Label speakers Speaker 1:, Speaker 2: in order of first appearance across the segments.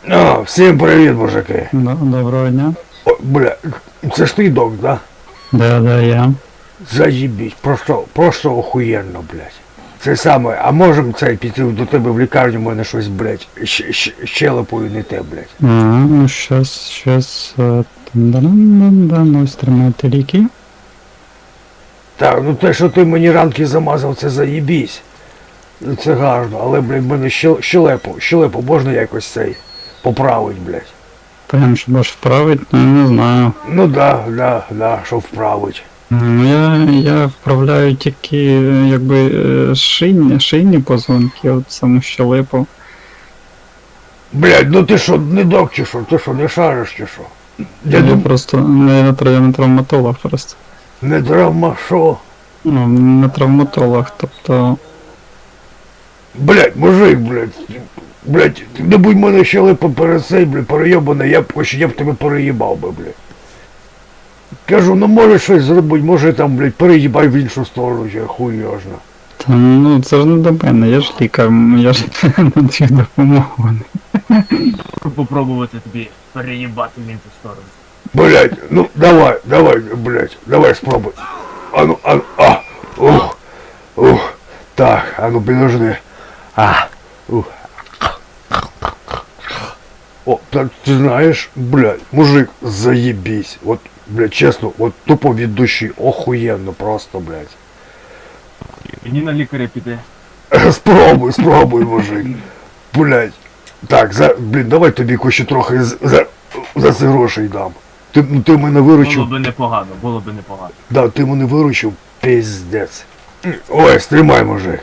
Speaker 1: О, всім привіт, мужики.
Speaker 2: Доброго дня.
Speaker 1: О, бля, це ж ти док, да?
Speaker 2: Да, я.
Speaker 1: Заїбіть, просто охуєнно, блядь. Це саме, а можем це піти до тебе в лікарню, в мене щось, блядь, щелепою не те, блядь.
Speaker 2: Ну щас. Ну, ось тримайте ліки.
Speaker 1: Так, ну те, що ти мені ранки замазав, це заїбісь. Це гарно, але, блядь, в мене щелепу можна якось цей поправить, блядь.
Speaker 2: Прям щоб аж вправить, ну не знаю.
Speaker 1: Ну да, щоб вправить.
Speaker 2: Ну я вправляю тільки якби шийні позвонки, от саму щелепу.
Speaker 1: Блядь, ну ти що, не док чи що? Ти що, не шариш чи що?
Speaker 2: Я просто не травматолог просто.
Speaker 1: Не травма, що?
Speaker 2: Ну, не травматолог, тобто.
Speaker 1: Блядь, мужик, блядь, не будь мене щелепа перед цей, блядь, перейобаний, я б тебе переїбав би, блядь. Кажу, ну може щось зробити, може там, блядь, переїбай в іншу сторону, чи хуй його зна.
Speaker 2: Та ну це ж не до мене, я ж лікар, я ж надаю допомогу.
Speaker 3: Попробувати тобі переїбати в іншу сторону.
Speaker 1: Блядь, ну давай, блядь, давай спробуй. Так, підожди. О, так ти знаєш, блядь, мужик, заєбісь. От, блядь, чесно, от тупо від душі, охуєнно просто, блядь.
Speaker 3: Мені на лікаря піде.
Speaker 1: Спробуй, мужик. Блядь. Так, блін, давай тобі ще трохи за це грошей дам. Ти мене виручив.
Speaker 3: Було би непогано.
Speaker 1: Да, ти мене виручив, пиздець. Ой, стримай, мужик.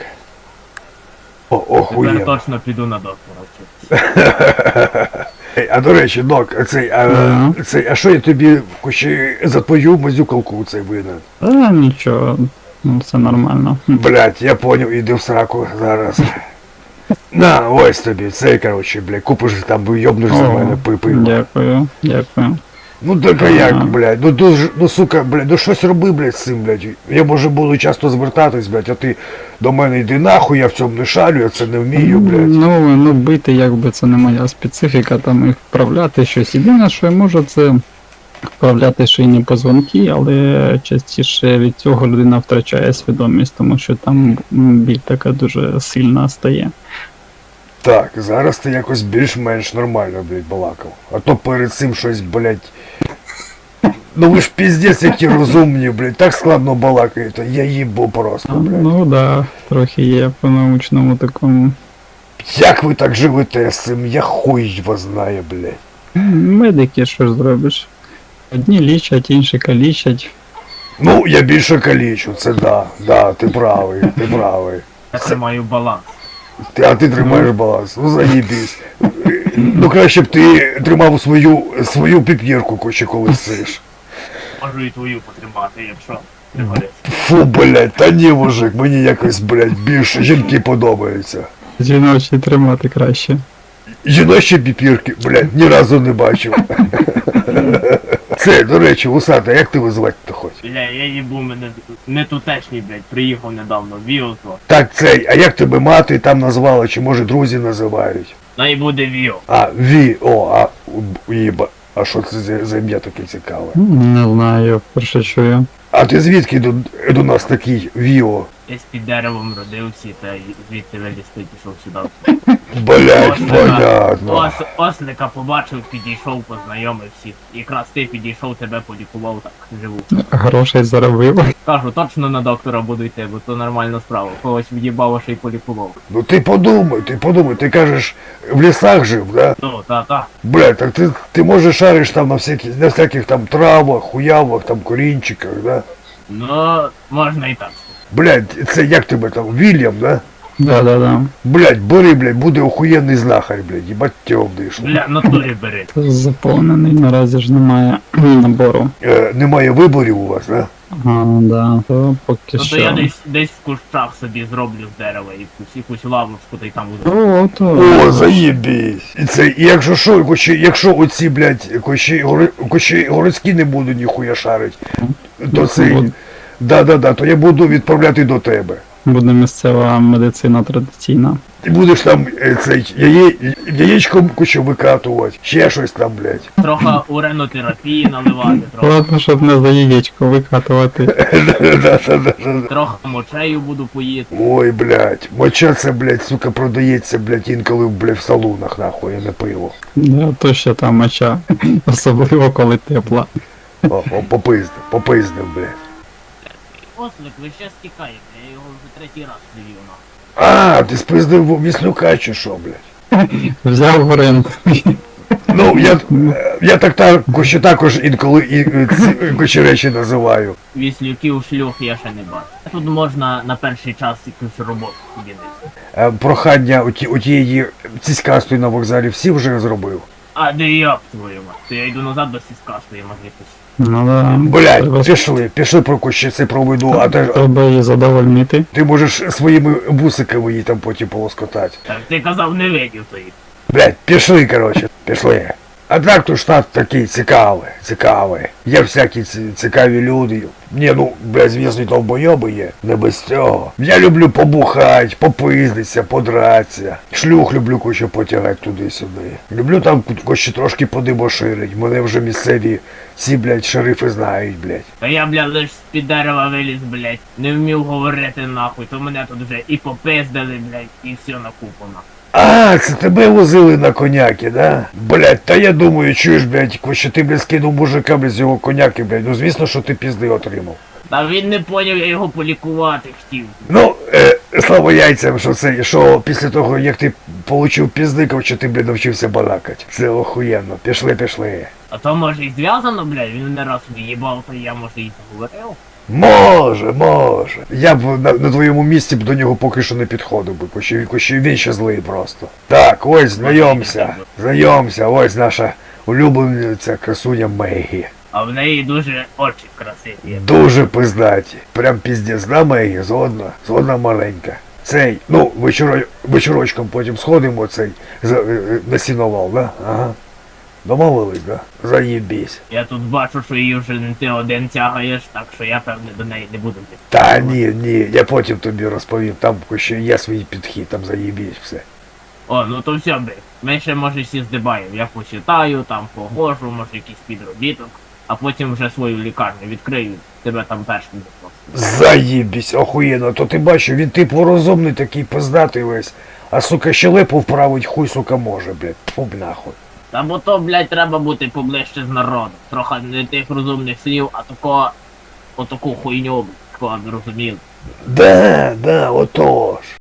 Speaker 1: Охуєнно.
Speaker 3: Тепер точно піду на доктора вчитися.
Speaker 1: А до речі, док, а що я тобі ще за твою мазюкалку цей винен?
Speaker 2: Нічого, ну все нормально.
Speaker 1: Блять, я поняв, іди в сраку зараз. На, ось тобі, цей, короче, блядь, купиш там, йобнеш за мене пипи.
Speaker 2: Дякую.
Speaker 1: Ну так а як, блядь, ну сука, блядь, ну щось роби, блядь, з цим, блядь. Я може буду часто звертатись, блядь, а ти до мене йди нахуй, я в цьому не шарю, я це не вмію, блядь.
Speaker 2: Ну бити якби це не моя специфіка, там і вправляти щось. Єдине, що я можу, це вправляти шийні позвонки, але частіше від цього людина втрачає свідомість, тому що там біль така дуже сильна стає.
Speaker 1: Так, зараз ти якось більш-менш нормально, блядь, балакав. А то перед цим щось, блядь... Ну ви ж піздець які розумні, блядь, так складно балакаєте, я їбу просто, блядь.
Speaker 2: Ну да, трохи є по научному такому.
Speaker 1: Як ви так живете з цим, я хуй вас знає, блядь.
Speaker 2: Медики, що ж зробиш? Одні лічать, інші калічать.
Speaker 1: Ну, я більше калічу, це да, ти правий.
Speaker 3: Я тримаю баланс.
Speaker 1: А ти тримаєш баланс, ну заїбісь. Ну краще б ти тримав свою піп'єрку, ще коли сиш.
Speaker 3: Можу і твою потримати, якщо пригодиться.
Speaker 1: Фу, блядь, та ні, мужик, мені якось, блядь, більше жінки подобаються.
Speaker 2: Жіночі тримати краще.
Speaker 1: Жіночі піпірки, блядь, ні разу не бачив. Це, до речі, Вусата, як тебе звати-то хоч?
Speaker 3: Бля, я їбу, мене не тутешній, блядь, приїхав недавно, Віо то.
Speaker 1: Так, а як тебе мати там назвала, чи може друзі називають?
Speaker 3: Най буде Віо.
Speaker 1: А що це за ім'я таке цікаве?
Speaker 2: Не знаю, я вперше чую.
Speaker 1: А ти звідки до нас такий Віо?
Speaker 3: Десь під деревом родився, та звідти вилізти пішов сюди.
Speaker 1: Блять, понятно.
Speaker 3: Ослика побачив, підійшов, познайомив всіх. Якраз ти підійшов, тебе полікував, так живу.
Speaker 2: Грошей заробив.
Speaker 3: Кажу, точно на доктора буду йти, бо то нормальна справа. Когось в'їбав, а ще й полікував.
Speaker 1: Ну ти подумай, ти кажеш, в лісах жив, да?
Speaker 3: Ну, та.
Speaker 1: Блять, так ти може шариш там на всяких там травах, хуявах, там корінчиках, да?
Speaker 3: Ну, можна і так.
Speaker 1: Блять, це як тебе там, Вільям, да?
Speaker 2: Да.
Speaker 1: Блять, бери, блять, буде охуєнний знахар, блять, їбать тьом дишу.
Speaker 3: Бля, натурі бери.
Speaker 2: Заповнений, наразі ж немає набору.
Speaker 1: Немає виборів у вас, да?
Speaker 2: Да, то поки
Speaker 3: Ну то
Speaker 2: що.
Speaker 3: я десь в кущах собі зроблю з дерева і якусь лавочку, та й там буду.
Speaker 1: О, заєбісь. І якщо що, якщо оці, блять, кощі городські не будуть ніхуя шарить, то це... Да, то я буду відправляти до тебе.
Speaker 2: Буде місцева медицина традиційна.
Speaker 1: Ти будеш там цей яєчком кучу викатувати, ще щось там, блядь.
Speaker 3: Трохи уренотерапії наливати, трохи,
Speaker 2: Ладно, щоб не за яєчко викатувати.
Speaker 3: трохи мочею буду поїти.
Speaker 1: Ой, блядь, моча це, блядь, сука, продається, блядь, інколи, блядь, в салунах, нахуй, а не пиво.
Speaker 2: Да, то ще та моча. Особливо коли тепла.
Speaker 1: О, попиздив, блядь.
Speaker 3: Ослик, ви ще стікаєте, я його вже третій раз привів на.
Speaker 1: А, ти спиздив Віслюка чи що, блядь?
Speaker 2: Взяв в оренду.
Speaker 1: Ну, я також інколи ці речі називаю.
Speaker 3: Віслюків шлюх я ще не бачу. Тут можна на перший час якусь роботу собі знайти.
Speaker 1: Прохання у тієї ціськастої на вокзалі всі вже зробив.
Speaker 3: А де я твою мать? То я йду назад до сіскастої магнітус.
Speaker 2: Ну да.
Speaker 1: Блядь, пішли про кущиці проведу, а
Speaker 2: Треба її задовольнити.
Speaker 1: ти можеш своїми бусиками її там потім полоскотати.
Speaker 3: Так ти казав, не видів тої.
Speaker 1: Блядь, пішли, короче, пішли. А так то штат такий цікавий. Є всякі цікаві люди. Ні, ну, блядь, звісно, довбойоби є. Не без цього. Я люблю побухать, попиздитися, подратися. Шлюх люблю кучу потягати туди-сюди. Люблю там кучу трошки подибоширить. Мене вже місцеві ці, блядь, шерифи знають, блядь.
Speaker 3: Та я, блядь, лиш з-під дерева виліз, блядь. Не вмів говорити нахуй, то мене тут вже і попиздили, блядь, і все накупано.
Speaker 1: А, це тебе возили на коняки, да? Блядь, та я думаю, чуєш, блядь, що ти, блядь, скинув мужика, блядь, з його коняки, блядь. Ну, звісно, що ти пізди отримав.
Speaker 3: Та він не поняв, я його полікувати хотів.
Speaker 1: Ну, слава яйцям, що після того, як ти получив піздиків, що ти, блядь, навчився балакати. Це охуєнно. Пішли.
Speaker 3: А то може і зв'язано, блядь, він не раз в'їбав, то я може і заговорив.
Speaker 1: Може. Я б на твоєму місці б до нього поки що не підходив би, кощі він ще злий просто. Так, ось, знайомся, ось наша улюблениця красуня Мегі.
Speaker 3: А в неї дуже очі красиві.
Speaker 1: Дуже пиздаті. Прям піздець, да, Мегі, згодна маленька. Цей, ну, вечорочком потім сходимо, цей, на сіновал, да? Ага. Домовились, да? Заєбісь.
Speaker 3: Я тут бачу, що її вже не ти один тягаєш, так що я певне до неї не буду йти.
Speaker 1: Та ні, я потім тобі розповім, там ще є свій підхід, там заєбісь все.
Speaker 3: О, ну то все, блядь. Ми ще може всі здибаємо. Я почитаю, там погожу, може якийсь підробіток, а потім вже свою лікарню відкрию, тебе там першим запросто.
Speaker 1: Заєбісь, охуєнно, то ти бачив, він типу розумний такий пиздатий весь, а сука щелепу вправить хуй, сука, може, блядь, фу б нахуй.
Speaker 3: Та бо то, блядь, треба бути поближче з народом. Трохи не тих розумних слів, а отаку хуйню, блядь, розуміли.
Speaker 1: Да, отож.